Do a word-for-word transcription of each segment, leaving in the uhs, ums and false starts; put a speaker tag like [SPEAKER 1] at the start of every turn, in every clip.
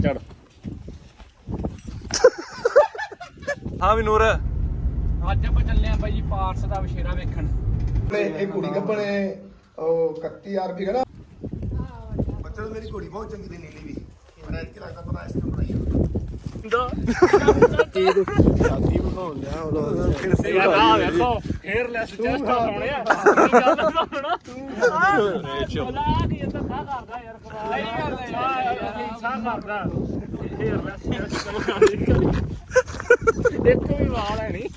[SPEAKER 1] ਚੜ ਹਾਂ ਵੀ ਨੂਰ
[SPEAKER 2] ਅੱਜ ਆਪਾਂ ਚੱਲੇ ਆਂ ਬਾਈ ਜੀ ਪਾਰਸ ਦਾ ਵਿਸ਼ੇਰਾ ਵੇਖਣ।
[SPEAKER 3] ਇਹ ਕੁੜੀ ਕੱਪਣੇ ਉਹ ਇਕੱਤੀ ਹਜ਼ਾਰ ਰੁਪਏ ਦਾ ਬੱਚਾ ਮੇਰੀ ਕੁੜੀ ਬਹੁਤ ਚੰਗੀ ਦੀ ਨੀਲੀ ਵੀ ਮੈਨੂੰ ਇਹ ਲੱਗਦਾ ਪਤਾ ਇਸ ਤੋਂ ਬਣਾਈ
[SPEAKER 1] ਕੀ ਤੂੰ ਸ਼ਾਦੀ ਬਣਾਉਣ ਲਿਆ ਉਹ ਫਿਰ ਸੇ ਆ ਵੇਖੋ ਫੇਰ ਲੈਸ ਚੈਸਟ ਸੋਹਣਿਆ ਕੀ ਗੱਲ ਸੁਣਨਾ ਤੂੰ ਬਲਾ ਕੀ ਇਹ ਤਾਂ ਸਾਹ ਕਰਦਾ ਯਾਰ ਕਮਾਲ ਨਹੀਂ ਕਰਦਾ ਯਾਰ ਸਾਹ ਕਰਦਾ ਫੇਰ ਲੈਸ ਚੈਸਟ ਦੇਖੋ ਵੀ ਵਾਲ ਹੈ ਨਹੀਂ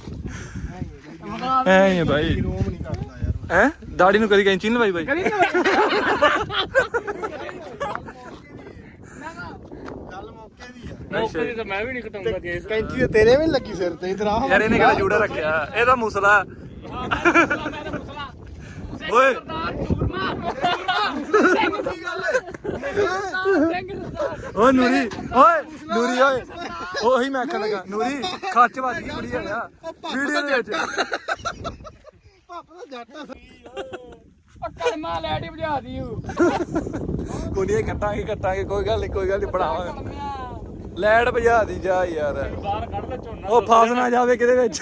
[SPEAKER 1] ਐ ਭਾਈ
[SPEAKER 3] ਰੋਮ ਨਹੀਂ ਕਰਦਾ ਯਾਰ
[SPEAKER 1] ਹੈ ਦਾੜੀ ਨੂੰ ਕਦੀ ਕੈਂਚੀ ਨਹੀਂ ਲਵਾਈ ਬਾਈ
[SPEAKER 3] ਗੱਲ ਮੌਕੇ ਦੀ ਆ
[SPEAKER 1] ਮੌਕੇ ਦੀ ਤਾਂ ਮੈਂ ਵੀ ਨਹੀਂ ਕਟਾਉਂਦਾ ਕੇਸ
[SPEAKER 3] ਕੈਂਚੀ ਤੇ ਤੇਰੇ ਵੀ ਨੀ ਲੱਗੀ ਸਿਰ ਤੇ ਇਧਰ ਆ
[SPEAKER 1] ਯਾਰ ਇਹਨੇ ਕਿਹੜਾ ਜੂੜਾ ਰੱਖਿਆ ਇਹਦਾ ਮੁਸਲਾ ਓਏ ਓਏ ਨੂਰੀ ਓਏ ਨੂਰੀ ਓਏ ਉਹੀ ਮੈਂ ਆਖਣ ਲੱਗਾ ਨੂਰੀ ਖੱਚ ਵੱਜ ਗਈ ਕੁੜੀ ਆ ਵੀਡੀਓ ਦੇ ਵਿੱਚ
[SPEAKER 3] ਪਾਪਾ ਦਾ ਜੱਟ ਆ
[SPEAKER 2] ਕਲਮਾ ਲੈਡੀ ਬੁਝਾ ਦਿਓ
[SPEAKER 1] ਕੁੜੀਆਂ ਕੱਟਾਂਗੇ ਕੱਟਾਂਗੇ ਕੋਈ ਗੱਲ ਨਹੀਂ ਕੋਈ ਗੱਲ ਨਹੀਂ ਬਣਾਵਾਂਗੇ ਲੈਟ ਭਜਾ ਦੀ ਜਾ ਯਾਰ ਬਾਹਰ ਕੱਢ ਲੈ ਝੋਨਾ ਉਹ ਫਸ ਨਾ ਜਾਵੇ ਕਿਤੇ ਵਿੱਚ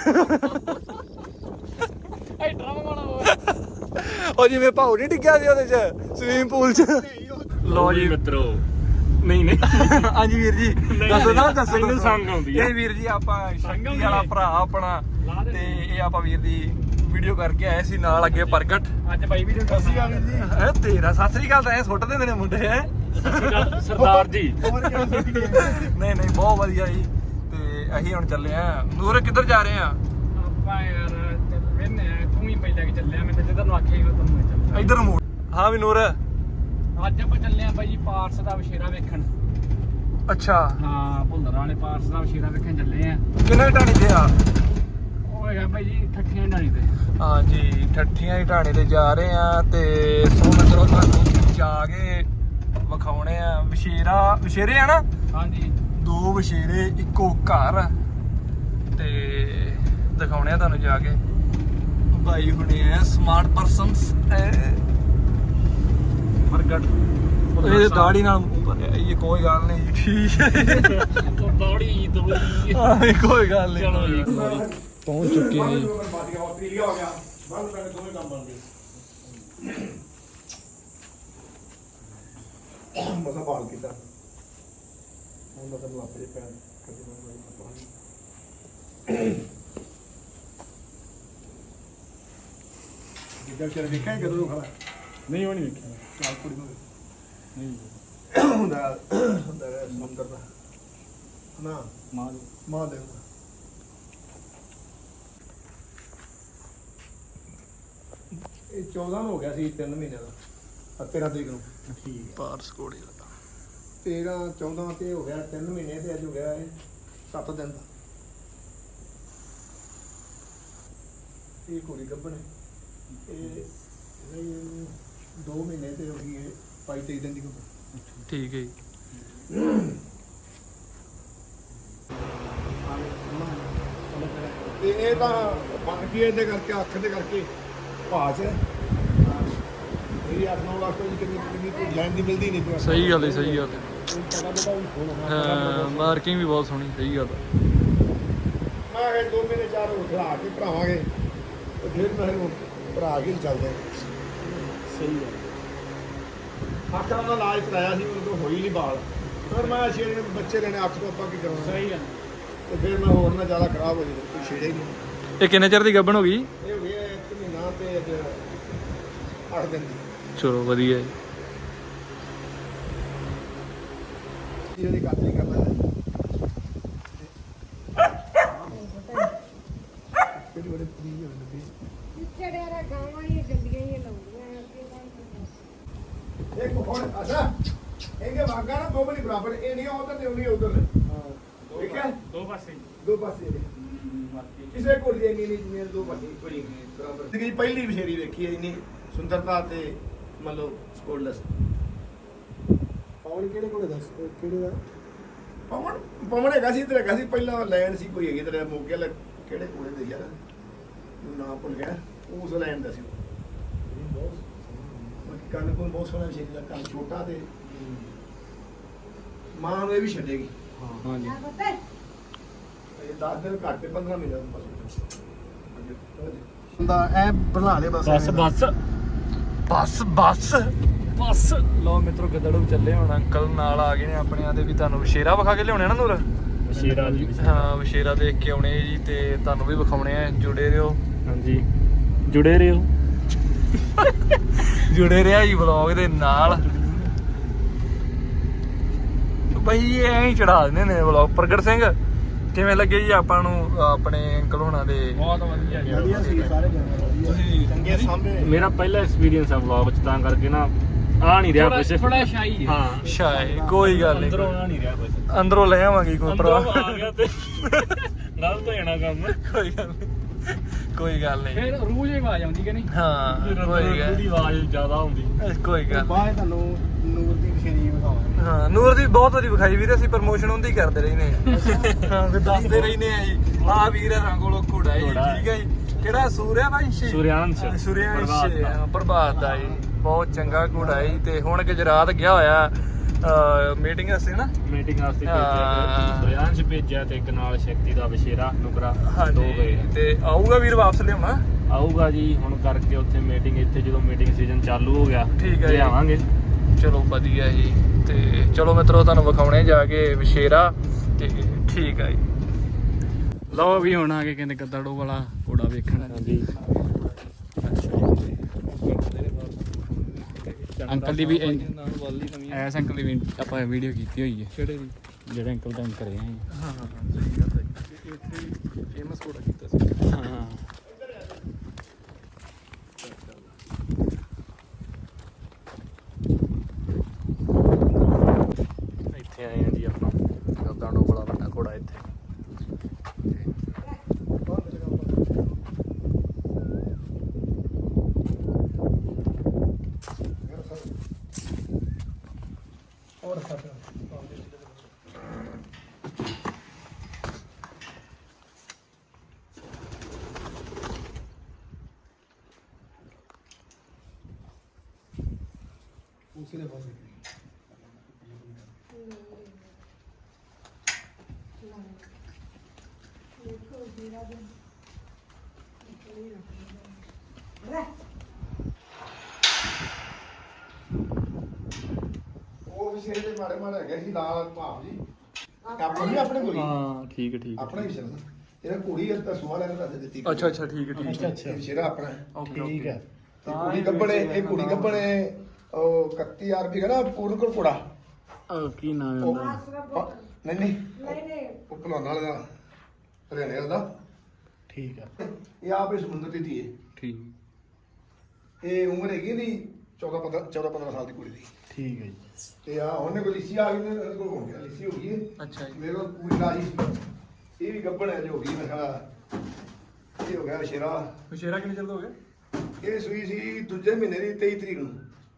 [SPEAKER 2] ਐ ਡਰਮ ਵਾਲਾ ਹੋਵੇ
[SPEAKER 1] ਉਹ ਜਿਵੇਂ ਭਾਉ ਨਹੀਂ ਡਿੱਗਿਆ ਸੀ ਉਹਦੇ ਚ ਸਵੀਮਿੰਗ ਪੂਲ ਚ ਲੋ ਜੀ ਮਿੱਤਰੋ ਨਹੀਂ ਨਹੀਂ ਹਾਂਜੀ ਵੀਰ ਜੀ ਦੱਸੋ ਨਾ ਦੱਸੋ
[SPEAKER 2] ਮੈਨੂੰ ਸੰਗ ਆਉਂਦੀ ਹੈ
[SPEAKER 1] ਇਹ ਵੀਰ ਜੀ ਆਪਾਂ ਸ਼ੰਗੀ ਵਾਲਾ ਭਰਾ ਆਪਣਾ ਤੇ ਇਹ ਆਪਾਂ ਵੀਰ ਦੀ ਵੀਡੀਓ ਕਰਕੇ ਆਏ ਸੀ ਨਾਲ ਅੱਗੇ ਪ੍ਰਗਟ
[SPEAKER 2] ਅੱਜ ਬਾਈ ਵੀ
[SPEAKER 3] ਅਸੀਂ ਆ ਵੀਰ ਜੀ
[SPEAKER 1] ਹੈ ਤੇਰਾ ਸਤਿ ਸ੍ਰੀ ਅਕਾਲ ਤਾਂ ਐ ਸੁੱਟ ਦਿੰਦੇ ਨੇ ਮੁੰਡੇ ਹੈ
[SPEAKER 2] ਸਰਦਾਰ ਜੀ
[SPEAKER 3] ਹੋਰ ਕਿਹੜਾ ਸਿੱਖ ਗਏ
[SPEAKER 1] ਨਹੀਂ ਨਹੀਂ ਬਹੁਤ ਵਧੀਆ ਜੀ ਤੇ ਅਸੀਂ ਹੁਣ ਚੱਲੇ ਆ ਨੂਰ ਕਿੱਧਰ ਜਾ ਰਹੇ ਆ
[SPEAKER 2] ਆਪਾਂ ਯਾਰ ਵੇਨੇ ਤੂੰ ਹੀ ਪਹਿਲਾਂ ਕਿ ਚੱਲਿਆ ਮੈਂ ਜਿੱਧਰ ਨੂੰ ਆਖਿਆ ਹੀ ਉਹ ਤੈਨੂੰ ਚੱਲਿਆ
[SPEAKER 1] ਇੱਧਰ ਨੂੰ ਮੋੜ ਹਾਂ ਵੀ ਨੂਰ
[SPEAKER 2] ਅੱਜ ਆਪਾਂ ਚੱਲੇ ਆਂ ਬਾਈ ਜੀ ਪਾਰਸ ਦਾ ਵਿਸ਼ੇਰਾ ਵੇਖਣ।
[SPEAKER 1] ਅੱਛਾ
[SPEAKER 2] ਹਾਂ ਭੁੱਲਰ ਵਾਲੇ ਪਾਰਸ ਦਾ ਵਿਸ਼ੇਰਾ ਵੇਖਣ ਚੱਲੇ ਆਂ।
[SPEAKER 1] ਕਿੰਨੇ ਢਾਣੀ ਤੇ ਆ
[SPEAKER 2] ਉਹ ਹੈਗਾ ਬਾਈ ਜੀ ਠੱਠੀਆਂ ਢਾਣੀ ਤੇ।
[SPEAKER 1] ਹਾਂਜੀ ਠੱਠੀਆਂ ਦੀ ਢਾਣੀ ਤੇ ਜਾ ਰਹੇ ਆ ਤੇ ਸੋ ਮਿੱਤਰੋ ਤੁਹਾਨੂੰ ਜਾ ਕੇ ਵਿਖਾਉਣੇ ਆ ਵਿਸ਼ੇਰਾ ਵਿਸ਼ੇਰੇ ਆ ਨਾ
[SPEAKER 2] ਹਾਂਜੀ
[SPEAKER 1] ਦੋ ਵਿਸ਼ੇਰੇ ਇੱਕੋ ਘਰ ਤੇ ਦਿਖਾਉਣੇ ਆ ਤੁਹਾਨੂੰ ਜਾ ਕੇ ਭਾਈ ਹੁਣੇ ਆ ਸਮਾਰਟ ਪਰਸਨਸ ਪ੍ਰਗਟ ਇਹ ਦਾੜੀ ਨਾਲ ਭਰਿਆ ਇਹ ਕੋਈ ਗੱਲ ਨਹੀਂ ਠੀਕ ਹੈ
[SPEAKER 2] ਦਾੜੀ ਦੋੜੀ
[SPEAKER 1] ਆਹ ਕੋਈ ਗੱਲ ਨਹੀਂ
[SPEAKER 2] ਚਲੋ ਜੀ
[SPEAKER 1] ਪਹੁੰਚ ਚੁੱਕੇ ਹਾਂ ਜੀ
[SPEAKER 3] ਆਸਟ੍ਰੇਲੀਆ ਹੋ ਗਿਆ ਬੰਦ ਪੈਣੇ ਦੋਵੇਂ ਕੰਮ ਬਣਦੇ ਮਸਾ ਬਾਲ ਕੀਤਾ ਹੁਣ ਤਾਂ ਤੈਨੂੰ ਆਪੇ ਪੈਣ ਕਦੇ ਨਾ ਕੋਈ ਪਾਣੀ ਜਿੱਦਾਂ ਚਿਰ ਦੇਖਿਆ ਕਦੋਂ ਨੂੰ ਖੜਾ
[SPEAKER 2] ਨਹੀਂ ਉਹ ਨਹੀਂ ਵੇਖਿਆ
[SPEAKER 3] ਚਾਲ ਕੁੜੀ ਨੂੰ
[SPEAKER 2] ਨਹੀਂ
[SPEAKER 3] ਹੁੰਦਾ ਹੁੰਦਾ ਹੈ ਸਮੁੰਦਰ ਦਾ ਨਾ
[SPEAKER 2] ਮਾਂ
[SPEAKER 3] ਮਾਂ ਦੇ ਇਹ ਚੌਦਾਂ ਨੂੰ ਹੋ ਗਿਆ ਸੀ ਤਿੰਨ ਮਹੀਨੇ ਦਾ ਤੇਰਾਂ ਤਰੀਕ ਨੂੰ
[SPEAKER 2] ਠੀਕ
[SPEAKER 1] ਪਾਰਸ ਕੋੜੀ ਦਾ
[SPEAKER 3] ਤੇਰਾਂ ਚੌਦਾਂ ਤੇ ਹੋ ਗਿਆ ਤਿੰਨ ਮਹੀਨੇ ਤੇ ਅੱਜ ਹੋ ਗਿਆ ਇਹ ਸੱਤ ਦਿਨ ਦਾ ਇਹ ਕੁੜੀ ਗੱਭਣ ਇਹ ਇਹ ਦੋ ਮਹੀਨੇ ਤੇ ਹੋ ਗਈ ਇਹ ਬਾਈ ਤੇਈ ਦਿਨ ਦੀ ਗੱਭਣ
[SPEAKER 1] ਠੀਕ ਹੈ ਜੀ
[SPEAKER 3] ਤੇ ਇਹ ਤਾਂ ਬਣ ਗਈ ਇਹਦੇ ਕਰਕੇ ਅੱਖ ਦੇ ਕਰਕੇ ਭਾਜ ਹੈ ਮੇਰੀ ਅੱਖ ਨੌ ਲੱਖ ਦੀ ਕਿੰਨੀ ਕਿੰਨੀ ਕੋਈ ਲੈਣ ਦੀ ਮਿਲਦੀ ਨਹੀਂ ਪਿਆ
[SPEAKER 1] ਸਹੀ ਗੱਲ ਹੈ ਸਹੀ ਗੱਲ ਹੈ
[SPEAKER 3] ਪਤਾ ਪਤਾ ਵੀ ਹੋਣਾ
[SPEAKER 1] ਹਾਂ ਮਾਰਕਿੰਗ ਵੀ ਬਹੁਤ ਸੋਹਣੀ ਸਹੀ ਗੱਲ ਹੈ
[SPEAKER 3] ਮੈਂ ਕਿਹਾ ਦੋ ਮਹੀਨੇ ਚਾਰ ਹੋਰ ਖੜਾ ਕੇ ਭਰਾਵਾਂਗੇ ਤੇ ਫਿਰ ਮੈਂ ਇਹਨੂੰ ਭਰਾ ਕੇ ਚੱਲਦੇ
[SPEAKER 2] ਸਹੀ ਹੈ
[SPEAKER 3] ਅੱਖਾਂ ਦਾ ਇਲਾਜ ਕਰਾਇਆ ਸੀ ਮੈਨੂੰ ਹੋਈ ਨਹੀਂ ਬਾਲ ਫਿਰ ਮੈਂ ਛੇੜੇ ਬੱਚੇ ਲੈਣੇ ਅੱਖ ਤੋਂ ਆਪਾਂ ਕੀ ਕਰਾਉਣਾ
[SPEAKER 2] ਸਹੀ ਹੈ
[SPEAKER 3] ਤੇ ਫਿਰ ਮੈਂ ਹੋਰ ਨਾ ਜ਼ਿਆਦਾ ਖਰਾਬ ਹੋ ਜਾਵੇ ਕੋਈ ਛੇੜੇ ਹੀ ਨਹੀਂ
[SPEAKER 1] ਇਹ ਕਿੰਨੇ ਚਿਰ ਦੀ ਗੱਭਣ ਹੋ ਗਈ
[SPEAKER 3] ਇਹ ਹੋ ਗਿਆ ਇੱਕ ਮਹੀਨਾ ਤੇ ਅੱਜ ਅੱਠ ਦਿਨ ਦੀ
[SPEAKER 1] ਚਲੋ ਵਧੀਆ ਜੀ
[SPEAKER 3] ਇਹਦੀ ਕੱਟ ਨਹੀਂ ਕਰਨਾ ਕਿਹੜੀ ਬੜੇ ਫਰੀ ਹੋ ਜਾਂਦੀ
[SPEAKER 4] ਚੜਿਆ ਰ ਗਾਵਾਂ ਹੀ ਗੱਡੀਆਂ ਹੀ ਲਾਉਂਦੀਆਂ
[SPEAKER 3] ਇੱਕ ਹੁਣ ਅੱਛਾ ਇਹਦੇ ਵਾਗਾ ਨਾ ਦੋ ਬਲੀ ਬਰਾਬਰ ਇਹ ਨਹੀਂ ਉਧਰ ਤੇ ਉਹਨੀ ਉਧਰ ਨੇ ਠੀਕ ਹੈ
[SPEAKER 2] ਦੋ ਪਾਸੇ
[SPEAKER 3] ਦੋ ਪਾਸੇ ਨੇ ਕਿਸੇ ਕੋਲ ਦੀ ਨਹੀਂ ਨਹੀਂ ਦੋ ਪਾਸੇ ਕੋਈ ਨਹੀਂ ਬਰਾਬਰ ਜ਼ਿੰਦਗੀ ਪਹਿਲੀ ਵਿਸ਼ੇਰੀ ਵੇਖੀ ਹੈ ਇੰਨੀ ਸੁੰਦਰਤਾ ਤੇ ਮੰਨ ਲਓ ਸਕੋਲਸ ਪਵਨ ਕਿਹੜੇ ਕੋਲੇ ਦੱਸ ਕਿਹੜੇ ਦਾ ਪਵਨ ਪਵਨ ਹੈਗਾ ਸੀ ਤੇ ਹੈਗਾ ਸੀ ਪਹਿਲਾਂ ਲੈਣ ਸੀ ਕੋਈ ਹੈਗੀ ਤੇਰੇ ਮੋਗੇ ਵਾਲਾ ਕਿਹੜੇ ਕੋਲੇ ਦੇ ਯਾਰ ਨਾਮ ਭੁੱਲ ਗਿਆ ਉਸ ਲੈਣ ਦਾ ਸੀ ਬਾਕੀ ਕੰਨ ਕੋਲ ਬਹੁਤ ਸੋਹਣਾ ਵਿਸ਼ੇਰੀ ਦਾ ਕੰਨ ਛੋਟਾ ਤੇ ਮਾਂ ਨੂੰ ਇਹ ਵੀ ਛੱਡੇਗੀ
[SPEAKER 2] ਹਾਂਜੀ
[SPEAKER 4] ਆ ਪਤਾ
[SPEAKER 3] ਇਹ ਦਸ ਦਿਨ ਘੱਟ ਤੇ ਪੰਦਰਾਂ ਮਹੀਨੇ ਹੁੰਦਾ ਐ ਬਣਾ ਦੇ ਬਸ
[SPEAKER 2] ਬਸ ਬਸ ਬਸ ਬਸ ਬਸ ਲੋ ਮਿੱਤਰੋ ਗਦੜੂ ਚੱਲੇ ਹੁਣ ਅੰਕਲ ਨਾਲ ਆ ਗਏ ਨੇ ਆਪਣੇ ਆਦੇ ਵੀ ਤੁਹਾਨੂੰ ਵਿਸ਼ੇਰਾ ਵਿਖਾ ਕੇ ਲਿਆਉਣੇ ਨਾ ਨੂਰ
[SPEAKER 1] ਵਿਸ਼ੇਰਾ ਜੀ
[SPEAKER 2] ਹਾਂ ਵਿਸ਼ੇਰਾ ਦੇਖ ਕੇ ਆਉਣੇ ਜੀ ਤੇ ਤੁਹਾਨੂੰ ਵੀ ਵਿਖਾਉਣੇ ਆ ਜੁੜੇ ਰਹੋ
[SPEAKER 1] ਹਾਂਜੀ ਜੁੜੇ ਰਹੋ
[SPEAKER 2] ਜੁੜੇ ਰਿਹਾ ਜੀ ਵਲੌਗ ਦੇ ਨਾਲ ਬਈ ਐਂ ਹੀ ਚੜਾ ਦਿੰਦੇ ਨੇ ਵਲੌਗ ਪ੍ਰਗਟ ਸਿੰਘ ਕਿਵੇਂ ਲੱਗੇ ਜੀ ਆਪਾਂ ਨੂੰ ਆਪਣੇ ਅੰਕਲ ਹੋਣਾ ਦੇ
[SPEAKER 1] ਬਹੁਤ ਵਧੀਆ ਜੀ
[SPEAKER 3] ਵਧੀਆ ਸੀ ਸਾਰੇ ਤੁਸੀਂ ਚੰਗੇ ਸਾਹਮਣੇ
[SPEAKER 1] ਮੇਰਾ ਪਹਿਲਾ ਐਕਸਪੀਰੀਅੰਸ ਆ ਵਲੌਗ ਚ ਤਾਂ ਕਰਕੇ ਨਾ ਆ ਨਹੀਂ ਰਿਹਾ ਕੁਛ
[SPEAKER 2] ਥੋੜਾ ਸ਼ਾਈ
[SPEAKER 1] ਹਾਂ
[SPEAKER 2] ਸ਼ਾਇਦ ਕੋਈ ਗੱਲ ਨਹੀਂ
[SPEAKER 1] ਅੰਦਰੋਂ ਆ ਨਹੀਂ ਰਿਹਾ ਕੁਛ
[SPEAKER 2] ਅੰਦਰੋਂ ਲੈ ਆਵਾਂਗੇ ਕੋਈ
[SPEAKER 1] ਅੰਦਰੋਂ
[SPEAKER 2] ਪਰਵਾਹ
[SPEAKER 1] ਆ ਗਿਆ ਤੇ ਗਲਤ ਹੋ ਜਾਣਾ ਕੰਮ
[SPEAKER 2] ਕੋਈ ਗੱਲ ਨਹੀਂ ਕੋਈ ਗੱਲ ਨਹੀਂ
[SPEAKER 1] ਫਿਰ ਰੂਹ ਜਿਹੀ ਆਵਾਜ਼ ਆਉਂਦੀ ਕਿ ਨਹੀਂ
[SPEAKER 2] ਹਾਂ ਕੋਈ ਗੱਲ
[SPEAKER 1] ਦੀ ਆਵਾਜ਼ ਜ਼ਿਆਦਾ ਹੁੰਦੀ
[SPEAKER 2] ਕੋਈ ਗੱਲ
[SPEAKER 3] ਬਾਅਦ ਤੁਹਾਨੂੰ ਨੂਰ ਦੀ ਵਿਸ਼ੇਰੀ ਵਿਖਾਵਾਂਗੇ
[SPEAKER 2] ਹਾਂ ਨੂਰ ਦੀ ਬਹੁਤ ਵਾਰੀ ਵਿਖਾਈ ਵੀਰੇ ਅਸੀਂ ਪ੍ਰਮੋਸ਼ਨ ਉਹਦੀ ਕਰਦੇ ਰਹਿੰਦੇ ਆ ਹਾਂ ਫਿਰ ਦੱਸਦੇ ਰਹਿੰਦੇ ਆ ਜੀ ਆ ਵੀਰ ਹਰਾਂ ਕੋਲੋਂ ਘੋੜਾ ਜੀ
[SPEAKER 1] ਘੋੜਾ।
[SPEAKER 2] ਠੀਕ ਹੈ ਜੀ ਕਿਹੜਾ ਸੂਰਿਆ ਵੰਸ਼
[SPEAKER 1] ਸੂਰਿਆਂਸ਼
[SPEAKER 2] ਸੂਰਿਆਂਸ਼
[SPEAKER 1] ਪ੍ਰਭਾਤ ਦਾ।
[SPEAKER 2] ਹਾਂ, ਪ੍ਰਭਾਤ ਦਾ ਜੀ ਬਹੁਤ ਚੰਗਾ ਘੋੜਾ ਜੀ ਤੇ ਹੁਣ ਗੁਜਰਾਤ ਗਿਆ ਹੋਇਆ ਮੀਟਿੰਗ ਵਾਸਤੇ ਨਾ
[SPEAKER 1] ਮੀਟਿੰਗ ਵਾਸਤੇ
[SPEAKER 2] ਹਾਂ।
[SPEAKER 1] ਭੇਜਿਆ ਸੂਰਿਆਂਸ਼ ਭੇਜਿਆ ਤੇ ਇੱਕ ਨਾਲ ਸ਼ਕਤੀ ਦਾ ਵਿਸ਼ੇਰਾ ਨੁਕਰਾ ਦੋ
[SPEAKER 2] ਹਾਂਜੀ
[SPEAKER 1] ਗਏ
[SPEAKER 2] ਤੇ ਆਊਗਾ ਵੀਰ ਵਾਪਸ ਲਿਆਉਣਾ
[SPEAKER 1] ਆਊਗਾ ਜੀ ਹੁਣ ਕਰਕੇ ਉੱਥੇ ਮੀਟਿੰਗ ਇੱਥੇ ਜਦੋਂ ਮੀਟਿੰਗ ਸੀਜ਼ਨ ਚਾਲੂ ਹੋ ਗਿਆ
[SPEAKER 2] ਠੀਕ ਹੈ ਜੀ।
[SPEAKER 1] ਲਿਆਵਾਂਗੇ
[SPEAKER 2] ਚਲੋ ਵਧੀਆ ਜੀ ਤੇ ਚਲੋ ਮਿੱਤਰੋ ਤੁਹਾਨੂੰ ਵਿਖਾਉਣੇ ਜਾ ਕੇ ਵਿਸ਼ੇਰਾ ਤੇ ਠੀਕ ਹੈ ਜੀ
[SPEAKER 1] ਲਓ ਵੀ ਹੁਣ ਆ ਕੇ ਕਹਿੰਦੇ ਗੱਦੜੋ ਵਾਲਾ ਘੋੜਾ ਵੇਖਣ ਹਾਂਜੀ ਅੰਕਲ ਦੀ ਵੀ ਐਸ ਅੰਕਲ ਦੀ ਵੀ ਆਪਾਂ ਵੀਡੀਓ ਕੀਤੀ ਹੋਈ ਹੈ
[SPEAKER 2] ਕਿਹੜੇ ਦੀ
[SPEAKER 1] ਜਿਹੜੇ ਅੰਕਲ ਦਾ ਕਰੇ ਆ
[SPEAKER 2] ਹਾਂ ਹਾਂ ਸਹੀ ਗੱਲ ਹੈ ਇੱਥੇ ਫੇਮਸ ਕੋੜਾ ਕੀਤਾ ਸੀ
[SPEAKER 1] ਹਾਂ ਇੱਥੇ ਆਏ ਆ ਜੀ ਆਪਾਂ
[SPEAKER 2] ਗੱਦਾਂਡੋ ਬੜਾ ਵੱਡਾ ਘੋੜਾ ਇੱਥੇ
[SPEAKER 3] ਹੋਰ ਸੱਚ ਉਸਲੇ ਪਾਸੇ ਉਹ ਵਿਸ਼ੇ ਦੇ ਮਾੜੇ ਮਾੜੇ ਹੈਗੇ ਸੀ ਲਾਲ ਭਾਵ ਜੀ ਕਾਪੜ ਵੀ ਆਪਣੇ ਕੋਲ ਹੀ
[SPEAKER 1] ਹਾਂ ਠੀਕ ਹੈ ਠੀਕ
[SPEAKER 3] ਆਪਣਾ ਹੀ ਵਿਸ਼ਾ ਇਹਦਾ ਕੁੜੀ ਇਸ ਦਾ ਸੁਆ ਲੈਣ ਦੱਸ ਦਿੱਤੀ
[SPEAKER 2] ਅੱਛਾ ਅੱਛਾ ਠੀਕ ਹੈ ਠੀਕ ਹੈ
[SPEAKER 3] ਇਹ ਵਿਸ਼ੇਰਾ ਆਪਣਾ ਹੈ।
[SPEAKER 2] ਓਕੇ ਠੀਕ ਹੈ
[SPEAKER 3] ਤੇ ਕੁੜੀ ਗੱਬਣੇ ਇਹ ਕੁੜੀ ਗੱਬਣੇ ਉਹ ਇਕੱਤੀ ਹਜ਼ਾਰ ਰੁਪਏ ਕਹਿੰਦਾ ਪੂਰਨ ਕੋਲ ਕੁੜਾ
[SPEAKER 1] ਉਹ ਕੀ ਨਾਮ ਹੈ
[SPEAKER 3] ਉਹ
[SPEAKER 1] ਉਹਦਾ
[SPEAKER 3] ਨਹੀਂ ਨਹੀਂ
[SPEAKER 4] ਨਹੀਂ ਨਹੀਂ
[SPEAKER 3] ਉਹ ਭਲਵਾਨਾਂ ਵਾਲਾ ਦਾ ਹਰਿਆਣੇ ਵਾਲਾ ਦਾ
[SPEAKER 1] ਠੀਕ ਹੈ
[SPEAKER 3] ਇਹ ਆਪ ਇਸ ਸਮੁੰਦਰ ਦੀ ਧੀ ਹੈ
[SPEAKER 1] ਠੀਕ
[SPEAKER 3] ਇਹ ਉਮਰ ਹੈਗੀ ਦੀ ਚੌਦਾਂ ਪੰਦਰਾਂ ਚੌਦਾਂ ਪੰਦਰਾਂ ਸਾਲ ਦੀ ਕੁੜੀ ਦੀ
[SPEAKER 1] ਠੀਕ ਹੈ ਜੀ
[SPEAKER 3] ਤੇ ਆ ਉਹਨੇ ਕੋਲ ਲਿੱਸੀ ਆ ਗਈ ਨੇ ਉਹਦੇ ਕੋਲ ਹੋ ਗਿਆ ਲਿੱਸੀ ਹੋ ਗਈ ਹੈ
[SPEAKER 2] ਅੱਛਾ ਜੀ
[SPEAKER 3] ਮੇਰੇ ਕੋਲ ਪੂਰੀ ਰਾਜੀ ਸੀ ਇਹ ਵੀ ਗੱਬਣ ਹੈ ਜੋ ਹੋ ਗਈ ਮੈਂ ਕਿਹਾ ਇਹ ਹੋ ਗਿਆ ਵਿਸ਼ੇਰਾ
[SPEAKER 2] ਵਿਸ਼ੇਰਾ ਕਿੰਨੇ ਚਿਰ ਦਾ ਹੋ ਗਿਆ
[SPEAKER 3] ਇਹ ਸੂਈ ਸੀ ਦੂਜੇ ਮਹੀਨੇ ਦੀ ਤੇਈ ਤਰੀਕ ਨੂੰ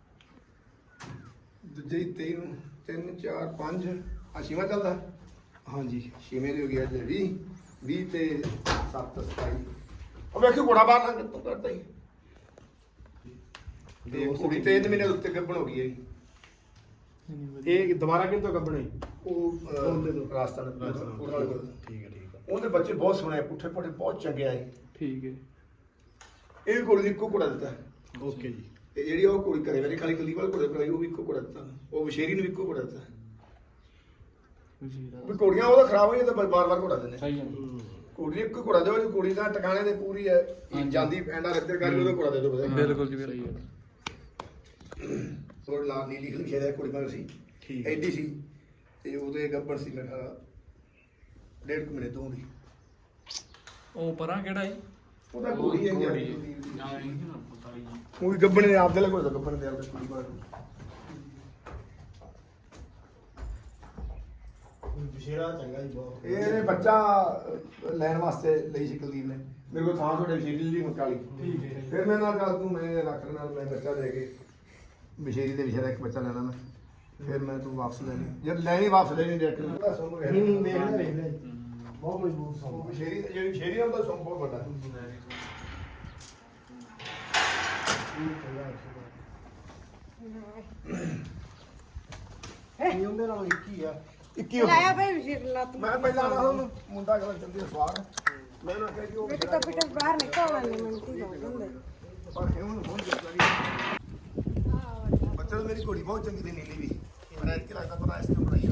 [SPEAKER 3] ਦੂਜੇ ਦੀ ਤੇਈ ਨੂੰ ਤਿੰਨ ਚਾਰ ਪੰਜ ਆ ਛੇਵਾਂ ਚੱਲਦਾ ਹਾਂਜੀ ਛੇਵੇਂ ਦੀ ਹੋ ਗਈ ਅੱਜ ਵੀਹ ਵੀਹ ਤੇ ਸੱਤ ਸਤਾਈ ਉਹ ਵੇਖੋ ਘੋੜਾ ਬਾਹਰ ਨਾ ਕਿੱਥੋਂ ਕਰਦਾ ਹੀ ਤੇ ਕੁੜੀ ਤੇ ਇਹਦੇ ਮਹੀਨੇ ਦੇ ਉੱਤੇ ਗੱਬਣ ਹੋ ਗਈ ਹੈ
[SPEAKER 5] ਇਹ ਦੁਬਾਰਾ ਕਿੰਤੋਂ ਕੱਢਣੇ
[SPEAKER 3] ਉਹ ਰਾਜਸਥਾਨ ਉਹਨਾਂ ਵਾਲੇ ਕੋਲ
[SPEAKER 5] ਠੀਕ ਹੈ ਠੀਕ ਹੈ
[SPEAKER 3] ਉਹਦੇ ਬੱਚੇ ਬਹੁਤ ਸੋਹਣੇ ਪੁੱਠੇ ਪੁੱਠੇ ਬਹੁਤ ਚੰਗੇ ਆਏ
[SPEAKER 2] ਠੀਕ ਹੈ
[SPEAKER 3] ਇਹ ਕੁੜੀ ਦੀ ਇੱਕੋ ਘੋੜਾ ਦਿੱਤਾ
[SPEAKER 5] ਓਕੇ ਜੀ
[SPEAKER 3] ਤੇ ਜਿਹੜੀ ਉਹ ਕੁੜੀ ਕਰੇ ਮੇਰੀ ਖਾਲੀ ਕੱਲੀ ਵਾਲ ਘੋੜੇ ਕਰਾਈ ਉਹ ਵੀ ਇੱਕੋ ਘੋੜਾ ਦਿੱਤਾ ਉਹ ਵਿਸ਼ੇਰੀ ਨੂੰ ਵੀ ਇੱਕੋ ਘੋੜਾ ਦਿੱਤਾ ਵੀ ਘੋੜੀਆਂ ਉਹਦਾ ਖਰਾਬ ਹੋਈਆਂ ਤਾਂ ਬਾਰ-ਬਾਰ ਘੋੜਾ ਦਿੰਦੇ
[SPEAKER 2] ਸਹੀ ਹੈ
[SPEAKER 3] ਕੁੜੀ ਇੱਕ ਘੋੜਾ ਦਿਓ ਜੀ ਕੁੜੀ ਦਾ ਟਿਕਾਣੇ ਤੇ ਪੂਰੀ ਹੈ ਜਾਂਦੀ ਐਂਡਾ ਰੱਖਦੇ ਕਰ ਉਹਦਾ ਘੋੜਾ ਦੇ ਦਿਓ ਬਸ
[SPEAKER 2] ਬਿਲਕੁਲ ਜੀ ਬਿਲਕੁਲ
[SPEAKER 3] ਥੋੜਾ ਲਾਲ ਨੀਲੀ ਖਲੀ ਸ਼ੇਰ ਕੁੜੀ ਮਰ ਸੀ
[SPEAKER 5] ਠੀਕ
[SPEAKER 3] ਐਡੀ ਸੀ ਤੇ ਉਹਦੇ ਗੱਬੜ ਸੀ ਮੈਂ ਕਿਹਾ ਡੇਢ ਕੁ ਮਹੀਨੇ ਤੋਂ ਦੀ
[SPEAKER 2] ਉਹ ਪਰਾਂ ਕਿਹੜਾ ਜੀ
[SPEAKER 3] ਉਹਦਾ ਕੁੜੀ ਹੈ ਜੀ ਉਹ ਵੀ ਗੱਬੜ ਨੇ ਆਪਦੇ ਲਗੋ ਗੱਬੜ ਦੇ ਆਪਦੇ ਕੁੜੀ ਬਾਰ
[SPEAKER 5] ਵਿਸ਼ੇਰਾ ਚੰਗਾ ਜੀ ਬਹੁਤ
[SPEAKER 3] ਇਹਨੇ ਬੱਚਾ ਅਹ, ਲੈਣ ਵਾਸਤੇ ਲਈ ਸੀ ਕੁਲਦੀਪ ਨੇ ਮੇਰੇ ਕੋਲ ਥਾਂ ਤੁਹਾਡੇ ਵਿਸ਼ੇਰੀ ਲਈ ਮਕਾਲੀ ਠੀਕ ਹੈ ਫਿਰ ਮੈਂ ਨਾਲ ਗੱਲ ਤੂੰ ਮੈਂ ਰੱਖ ਲੈਣਾ ਮੈਂ ਬੱਚਾ ਦੇ ਕੇ ਵਿਸ਼ੇਰੀ ਦੇ ਵਿਸ਼ੇਰਾ ਇੱਕ ਬੱਚਾ ਲੈਣਾ ਮੈਂ ਫਿਰ ਮੈਂ ਤੂੰ ਵਾਪਸ ਲੈ ਲਈ ਜਦ ਲੈਣੀ ਵਾਪਸ ਲੈਣੀ ਡਾਇਰੈਕਟ ਸੋਨੂੰ
[SPEAKER 5] ਹੂੰ ਦੇਖ ਲੈ ਦੇਖ ਲੈ ਬਹੁਤ ਮਜ਼ਬੂਤ ਸੌਂ
[SPEAKER 3] ਵਿਸ਼ੇਰੀ ਜਿਹੜੀ ਵਿਸ਼ੇਰੀ ਆ ਉਹਦਾ ਸੌਂ ਬਹੁਤ ਵੱਡਾ
[SPEAKER 5] ਨਹੀਂ ਉਹਦੇ ਨਾਲ ਇੱਕ ਹੀ ਆ
[SPEAKER 3] ਇੱਕੀ ਹੋ
[SPEAKER 4] ਲਾਇਆ ਭਾਈ ਵਿਸ਼ੇਰ ਲੱਤ
[SPEAKER 3] ਮੈਂ ਪਹਿਲਾਂ ਨਾ ਉਹਨੂੰ ਮੁੰਡਾ ਕਰ ਚੰਦੀ ਸਵਾਰ ਮੈਂ ਉਹਨਾਂ ਕਿਹਾ ਕਿ ਉਹ
[SPEAKER 4] ਇੱਕ ਤਾਂ ਪਿੱਟੇ ਬਾਹਰ ਨਿਕਲਣਾ ਨਹੀਂ ਮਿੰਟੀ ਹੋ ਜਾਂਦੇ
[SPEAKER 3] ਪਰ ਇਹ ਉਹਨੂੰ ਬਹੁਤ ਜ਼ਿਆਦਾ ਬੱਚਾ ਮੇਰੀ ਘੋੜੀ ਬਹੁਤ ਚੰਗੀ ਦੀ ਨੀਲੀ ਵੀ ਪਰ ਐਤਕੀ ਲੱਗਦਾ ਪਤਾ ਇਸ ਤੋਂ ਬਣਾਈ ਆ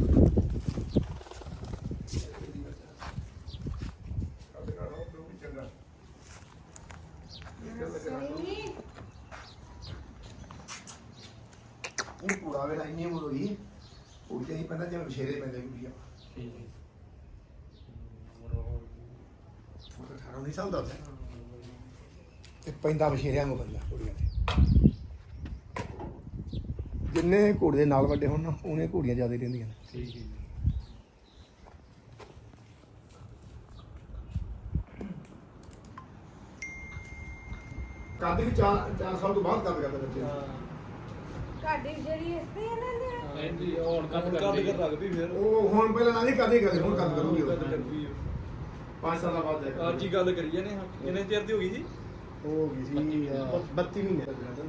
[SPEAKER 3] ਇਹ ਪੂਰਾ ਵੇਲਾ ਇੰਨੀ ਉਮਰ ਹੋਈ ਉਹ ਤੇ ਹੀ ਪੈਂਦਾ ਜਿਵੇਂ ਵਿਸ਼ੇਰੇ ਪੈਂਦੇ ਕੁੜੀਆਂ
[SPEAKER 1] ਠੀਕ ਹੈ
[SPEAKER 3] ਉਹ ਤਾਂ ਅਠਾਰਾਂ ਉੱਨੀ ਸਾਲ ਦਾ ਸੀ ਤੇ ਪੈਂਦਾ ਵਿਸ਼ੇਰਿਆਂ ਨੂੰ ਬੰਦਾ ਕੁੜੀਆਂ ਤੇ ਜਿੰਨੇ ਘੋੜੇ ਦੇ ਨਾਲ ਵੱਡੇ ਹੋਣ ਨਾ ਉਹਨੇ ਘੋੜੀਆਂ ਜ਼ਿਆਦਾ ਰਹਿੰਦੀਆਂ ਨੇ
[SPEAKER 1] ਠੀਕ ਹੈ
[SPEAKER 3] ਕੱਦ ਵੀ ਚਾਰ ਚਾਰ ਸਾਲ ਤੋਂ ਬਾਅਦ ਕੱਦ ਕਰਦੇ ਬੱਚੇ
[SPEAKER 4] ਤੁਹਾਡੀ ਜਿਹੜੀ ਇਸ ਤੇ ਇਹਨਾਂ ਦੇ
[SPEAKER 1] ਇਹਦੀ ਹੋਰ ਕੱਟ ਕਰ
[SPEAKER 2] ਲੱਗਦੀ ਫਿਰ
[SPEAKER 3] ਉਹ ਹੁਣ ਪਹਿਲਾਂ ਨਾਲ ਹੀ ਕਦੇ ਕਰਦੇ ਹੁਣ ਕੱਦ ਕਰੂਗੀ ਉਹ ਪੰਜ ਸਾਲਾਂ ਬਾਅਦ ਜਾਏਗਾ
[SPEAKER 2] ਅੱਜ ਹੀ ਗੱਲ ਕਰੀਏ ਨੇ ਕਿੰਨੇ ਚਿਰ ਦੀ ਹੋ ਗਈ ਜੀ
[SPEAKER 5] ਹੋ ਗਈ ਸੀ ਬੱਤੀ ਮਹੀਨੇ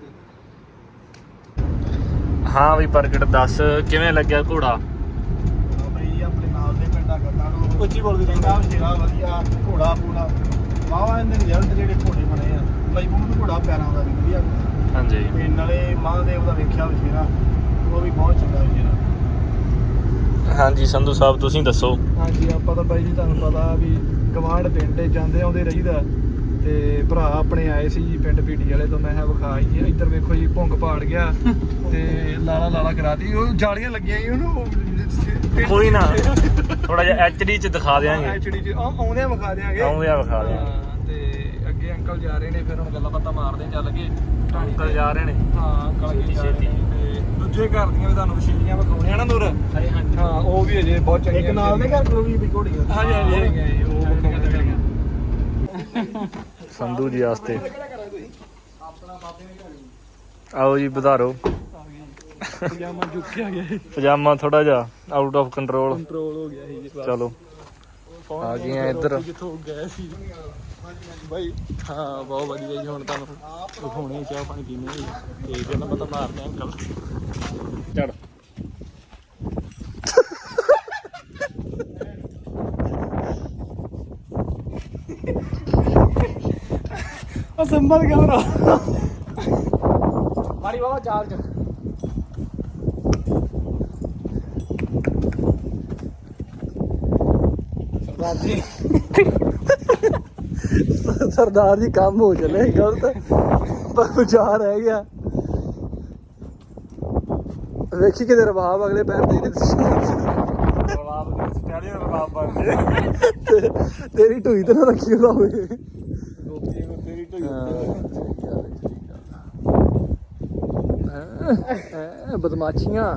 [SPEAKER 1] ਹਾਂ ਵੀ ਪ੍ਰਗਟ ਦੱਸ ਕਿਵੇਂ ਲੱਗਿਆ ਘੋੜਾ
[SPEAKER 5] ਬਈ ਆਪਣੇ ਨਾਲ ਦੇ ਪਿੰਡਾਂ ਗੱਲਾਂ ਨੂੰ
[SPEAKER 2] ਉੱਚੀ ਬੋਲ ਕੇ
[SPEAKER 5] ਚੰਗਾ ਵਿਸ਼ੇਰਾ ਵਧੀਆ ਘੋੜਾ ਪੂਰਾ ਵਾਵਾ ਇਹਦੇ ਰਿਜ਼ਲਟ ਜਿਹੜੇ ਘੋੜੇ ਬਣੇ ਆ ਮਜ਼ਬੂਤ ਘੋੜਾ ਪੈਰਾਂ ਦਾ ਵੀ ਵਧੀਆ
[SPEAKER 1] ਹਾਂਜੀ
[SPEAKER 5] ਤੇ ਨਾਲੇ ਮਹਾਂਦੇਵ ਦਾ ਵੇਖਿਆ ਵਿਸ਼ੇਰਾ ਉਹ ਵੀ ਬਹੁਤ ਚੰਗਾ ਵਿਸ਼ੇਰਾ
[SPEAKER 1] ਹਾਂਜੀ ਸੰਧੂ ਸਾਹਿਬ ਤੁਸੀਂ ਦੱਸੋ
[SPEAKER 2] ਹਾਂਜੀ ਆਪਾਂ ਤਾਂ ਬਾਈ ਜੀ ਤੁਹਾਨੂੰ ਪਤਾ ਵੀ ਗਵਾਂਢ ਪਿੰਡ ਜਾਂਦੇ ਆਉਂਦੇ ਰਹੀਦਾ ਤੇ ਭਰਾ ਆਪਣੇ ਆਏ ਸੀ ਜੀ ਪਿੰਡ ਪੀਟੀ ਵਾਲੇ ਤੋਂ ਮੈਂ ਕਿਹਾ ਵਿਖਾ ਹੀ ਇੱਧਰ ਵੇਖੋ ਜੀ ਭੁੰਗ ਪਾੜ ਗਿਆ ਤੇ ਲਾਲਾ ਲਾਲਾ ਕਰਾਤੀ ਉਹ ਜਾਲੀਆਂ ਲੱਗੀਆਂ ਸੀ ਉਹਨੂੰ
[SPEAKER 1] ਕੋਈ ਨਾ ਥੋੜਾ ਜਿਹਾ ਐਚਡੀ ਚ ਦਿਖਾ ਦੇਾਂਗੇ
[SPEAKER 2] ਐਚਡੀ ਚ ਆਉਂਦਿਆਂ ਵਿਖਾ ਦਿਆਂਗੇ
[SPEAKER 1] ਆਉਂਦੇ ਆ ਵਿਖਾ ਦਿਆਂਗੇ
[SPEAKER 2] ਹਾਂ, ਤੇ ਅੱਗੇ ਅੰਕਲ ਜਾ ਰਹੇ ਨੇ ਫਿਰ ਹੁਣ ਗੱਲਾਂ ਬਾਤਾਂ ਮਾਰਦੇ ਚੱਲ ਗਏ
[SPEAKER 1] ਅੰਕਲ ਜਾ ਰਹੇ ਨੇ
[SPEAKER 2] ਹਾਂ ਅੰਕਲ ਅੱਗੇ ਜਾ ਰਹੇ
[SPEAKER 1] ਛੇਤੀ।
[SPEAKER 2] ਨੇ ਤੇ ਦੂਜੇ ਘਰ ਦੀਆਂ ਵੀ ਤੁਹਾਨੂੰ ਵਸ਼ੀਲੀਆਂ ਵਿਖਾਉਣੀਆਂ ਨਾ ਨੂਰ ਹਾਂ ਉਹ ਵੀ ਅਜੇ ਬਹੁਤ ਚੰਗੀਆਂ
[SPEAKER 5] ਇੱਕ ਨਾਲ ਦੇ ਘਰ ਕੋਲ ਵੀ ਵੀ ਘੋੜੀਆਂ
[SPEAKER 2] ਹਾਂਜੀ ਹਾਂਜੀ ਹੈਗੀਆਂ ਜੀ, ਉਹ ਵਿਖਾਉਣੀਆਂ
[SPEAKER 1] ਸੰਧੂ ਜੀ ਵਾਸਤੇ ਆਓ ਜੀ ਵਧਾਰੋ
[SPEAKER 2] ਪਜਾਮਾ ਚੁੱਕਿਆ ਗਿਆ
[SPEAKER 1] ਪਜਾਮਾ ਥੋੜਾ ਜਿਹਾ ਆਊਟ ਆਫ ਕੰਟਰੋਲ
[SPEAKER 2] ਕੰਟਰੋਲ ਹੋ ਗਿਆ ਸੀ ਜੀ ਬਸ।
[SPEAKER 1] ਚਲੋ ਆ ਗਏ ਆ ਇੱਧਰ
[SPEAKER 2] ਕਿੱਥੋਂ ਗਏ ਸੀ ਬਾਈ ਹਾਂ ਬਹੁਤ ਵਧੀਆ ਜੀ ਹੁਣ ਤੁਹਾਨੂੰ ਵਿਖਾਉਣੇ ਚਾਹ ਪਾਣੀ ਪੀਣੇ ਜੀ ਤੇ ਗੱਲਾਂ ਬਾਤਾਂ ਮਾਰਦੇ ਆ ਅੰਕਲ
[SPEAKER 1] ਚੜ
[SPEAKER 2] ਉਹ ਸੰਭਲ ਗਿਆ ਨਾ ਮਾਰੀ ਬਾਬਾ ਚਾਰਜ ਸਰਦਾਰ ਜੀ ਸਰਦਾਰ ਜੀ ਕੰਮ ਹੋ ਚਲੇ ਗਲਤ ਪਰ ਵਿਚਾਰ ਰਹਿ ਗਿਆ ਵੇਖੀ ਕਿਤੇ ਰਬਾਬ ਅਗਲੇ ਪੈਰ ਦੇ
[SPEAKER 1] ਰਬਾਬ ਦੀ ਸਟੈਲੀਅਨ ਰਬਾਬ ਬਣ ਜੇ
[SPEAKER 2] ਤੇਰੀ ਢੂਈ ਤੇ ਨਾ ਰੱਖੀ ਉਹਦਾ ਹੋਵੇ
[SPEAKER 1] ਗੋਪੀ ਨੂੰ ਤੇਰੀ ਢੋਈ
[SPEAKER 2] ਬਦਮਾਸ਼ੀਆਂ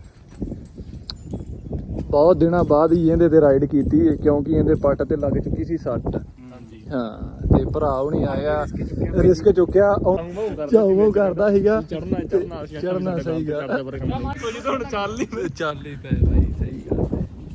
[SPEAKER 2] ਬਹੁਤ ਦਿਨਾਂ ਬਾਅਦ ਹੀ ਇਹਦੇ ਤੇ ਰਾਈਡ ਕੀਤੀ ਕਿਉਂਕਿ ਇਹਦੇ ਪੱਟ ਤੇ ਲੱਗ ਚੁੱਕੀ ਸੀ ਸੱਟ
[SPEAKER 1] ਹਾਂਜੀ
[SPEAKER 2] ਹਾਂ ਤੇ ਭਰਾ ਹੁਣੀ ਆਇਆ ਰਿਸਕ ਚੁੱਕਿਆ ਚਾਉ ਕਰਦਾ ਸੀਗਾ
[SPEAKER 1] ਚੜਨਾ ਚੜਨਾ
[SPEAKER 2] ਚੜਨਾ ਸਹੀ ਗੱਲ
[SPEAKER 1] ਕੋਈ ਤਾਂ ਹੁਣ ਚੱਲ ਨਹੀਂ
[SPEAKER 2] ਚੱਲ ਹੀ ਪਏ ਬਾਈ ਸਹੀ ਗੱਲ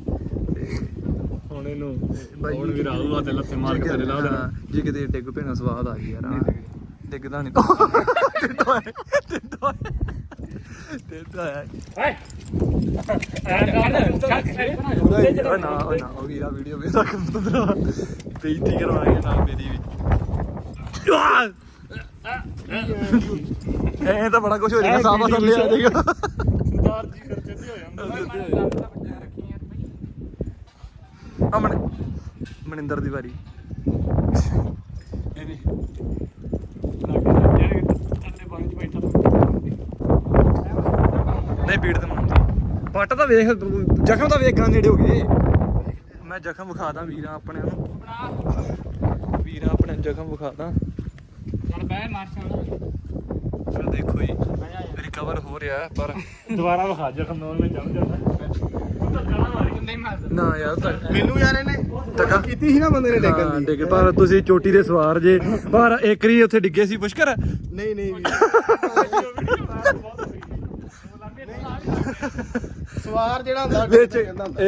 [SPEAKER 1] ਹੁਣ ਇਹਨੂੰ ਹੁਣ ਵੀ ਰਾਹੂ ਤੇ ਲੱਥੇ ਮਾਰ ਕੇ ਥੱਲੇ ਲਾ ਦੇਣਾ
[SPEAKER 2] ਜੇ ਕਿਤੇ ਡਿੱਗ ਪੈਣਾ ਸਵਾਦ ਆ ਗਈ ਯਾਰ ਡਿੱਗਦਾ ਨਹੀਂ ਟਿੱਡੋ ਟਿੱਡੋ ਟਿੱਡੋ
[SPEAKER 1] ਹਾਏ ਐ ਕਰ ਚੱਕ
[SPEAKER 2] ਓਏ ਨਾ ਓਏ ਨਾ ਉਹ ਵੀਰਾ ਵੀਡੀਓ ਵੇਖ ਰੱਖ ਬੰਦਰਾ ਬੇਇੱਜ਼ਤੀ ਕਰਵਾਏਗਾ ਨਾ ਮੇਰੀ ਵੀ ਐ ਤਾਂ ਬੜਾ ਕੁਝ ਹੋ ਜਾਏਗਾ ਸਾਫਾ ਥੱਲੇ ਆ ਜਾਏਗਾ
[SPEAKER 1] ਸਰਦਾਰ ਜੀ ਫਿਰ ਚੇਤੇ ਹੋ ਜਾਂਦਾ
[SPEAKER 2] ਅਮਨ ਮਨਿੰਦਰ ਦੀ ਵਾਰੀ
[SPEAKER 1] ਇਹਨੇ ਜਿਹੜੇ ਠੰਡੇ ਪਾਣੀ 'ਚ ਬੈਠਾ
[SPEAKER 2] ਨਹੀਂ ਪੀੜ ਤੇ ਮਨਾਉਂਦੀ ਪੱਟ ਤਾਂ ਵੇਖ ਜ਼ਖਮ ਤਾਂ ਵੇਖਾਂ ਨੇੜੇ ਹੋ ਗਏ ਮੈਂ ਜ਼ਖਮ ਵਿਖਾਦਾ ਵੀਰਾਂ ਆਪਣੇ ਨੂੰ ਵੀਰਾਂ ਆਪਣੇ ਜ਼ਖਮ ਵਿਖਾਦਾ
[SPEAKER 1] ਹੁਣ ਬਹਿ ਮਾਰ
[SPEAKER 2] ਫਿਰ ਦੇਖੋ ਜੀ ਰਿਕਵਰ ਹੋ ਰਿਹਾ ਪਰ
[SPEAKER 1] ਦੁਬਾਰਾ ਵਿਖਾ ਜਖਮ ਨਾਲ ਮੈਂ ਚੱਲ ਜਾਂਦਾ
[SPEAKER 2] ਨਾ ਯਾਰ ਤਾਂ
[SPEAKER 5] ਮੈਨੂੰ ਯਾਰ ਇਹਨੇ
[SPEAKER 2] ਧੱਕਾ
[SPEAKER 5] ਕੀਤੀ ਸੀ ਨਾ ਬੰਦੇ ਨੇ ਡੇਗਣ
[SPEAKER 2] ਹਾਂ,
[SPEAKER 5] ਦੀ
[SPEAKER 2] ਡਿੱਗ ਪਰ ਤੁਸੀਂ ਚੋਟੀ ਦੇ ਸਵਾਰ ਜੇ ਪਰ ਇੱਕ ਰੀ ਉੱਥੇ ਡਿੱਗੇ ਸੀ ਪੁਸ਼ਕਰ
[SPEAKER 5] ਨਹੀਂ ਨਹੀਂ ਵੀ ਸਵਾਰ ਜਿਹੜਾ ਹੁੰਦਾ
[SPEAKER 2] ਵਿੱਚ
[SPEAKER 5] ਕਹਿੰਦਾ ਹੁੰਦਾ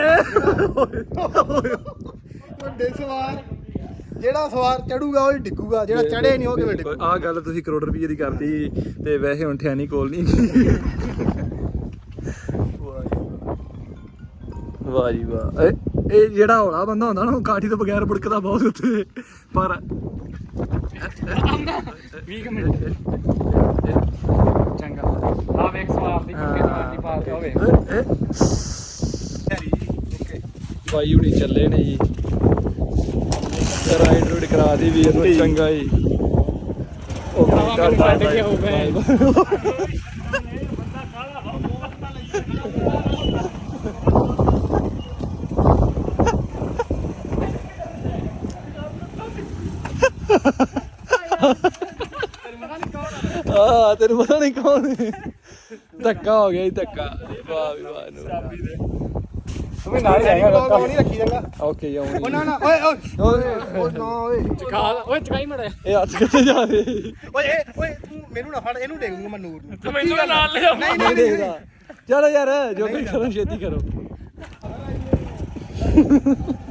[SPEAKER 2] ਏ
[SPEAKER 5] ਵੱਡੇ ਸਵਾਰ ਜਿਹੜਾ ਸਵਾਰ ਚੜੂਗਾ ਉਹ ਹੀ ਡਿੱਗੂਗਾ ਜਿਹੜਾ ਚੜੇ ਨਹੀਂ ਉਹ ਕਿਵੇਂ ਡਿੱਗੂ
[SPEAKER 2] ਆਹ ਗੱਲ ਤੁਸੀਂ ਕਰੋੜ ਰੁਪਏ ਦੀ ਕਰਤੀ ਤੇ ਵੈਸੇ ਹੁਣ ਠਿਆਣੀ ਕੋਲ ਨਹੀਂ ਵਾਹ ਜੀ ਵਾਹ। ਇਹ ਇਹ ਜਿਹੜਾ ਹੌਲਾ ਬੰਦਾ ਹੁੰਦਾ ਨਾ ਉਹ ਕਾਠੀ ਤੋਂ ਬਗੈਰ ਬੁੜਕਦਾ ਬਹੁਤ ਉੱਤੇ ਪਰ
[SPEAKER 1] ਵੀਹ ਮਿੰਟ ਚੰਗਾ ਆ ਵੇਖ ਸਵਾਰ ਦੀ ਕਿੱਕੇ ਸਵਾਰ ਦੀ ਪਾਰ ਤੇ ਹੋਵੇ
[SPEAKER 2] ਬਾਈ ਹੁਣੀ ਚੱਲੇ ਨੇ ਜੀ ਰਾਈਡ ਰੂਡ ਕਰਾ ਦੀ ਵੀਰ ਨੂੰ ਚੰਗਾ ਜੀ
[SPEAKER 1] ਭਰਾਵਾ ਮੈਨੂੰ ਛੱਡ ਕੇ ਹੋ ਗਏ
[SPEAKER 2] ਆ ਤੈਨੂੰ ਪਤਾ ਨਹੀਂ ਕੌਣ ਹੈ ਧੱਕਾ ਹੋ ਗਿਆ ਜੀ ਧੱਕਾ ਵਾਹ ਵੀ ਵਾਹ ਨੂੰ
[SPEAKER 1] ਤੂੰ ਵੀ ਨਾਲ ਜਾਏਗਾ
[SPEAKER 5] ਉਹ ਨਹੀਂ ਰੱਖੀ ਜਾਂਗਾ
[SPEAKER 2] ਓਕੇ ਆਉਣੀ
[SPEAKER 5] ਉਹ ਨਾ ਨਾ ਓਏ ਓਏ
[SPEAKER 2] ਓਏ
[SPEAKER 3] ਨਾ ਓਏ
[SPEAKER 1] ਚਕਾ ਓਏ ਚਕਾਈ ਮੜਾ
[SPEAKER 2] ਇਹ ਹੱਥ ਕਿੱਥੇ ਜਾ ਰਹੇ
[SPEAKER 5] ਓਏ ਇਹ- ਓਏ ਤੂੰ ਮੈਨੂੰ ਨਾ ਫੜ ਇਹਨੂੰ ਡੇਗ ਦੂੰਗਾ ਮੈਂ ਨੂਰ ਨੂੰ
[SPEAKER 1] ਤੂੰ ਮੈਨੂੰ ਨਾਲ ਲੈ ਜਾ
[SPEAKER 5] ਨਹੀਂ
[SPEAKER 2] ਨਹੀਂ
[SPEAKER 5] ਨਹੀਂ
[SPEAKER 2] ਦੇਖਦਾ ਚਲੋ ਯਾਰ ਜੋ ਵੀ ਕਰੋ ਛੇਤੀ ਕਰੋ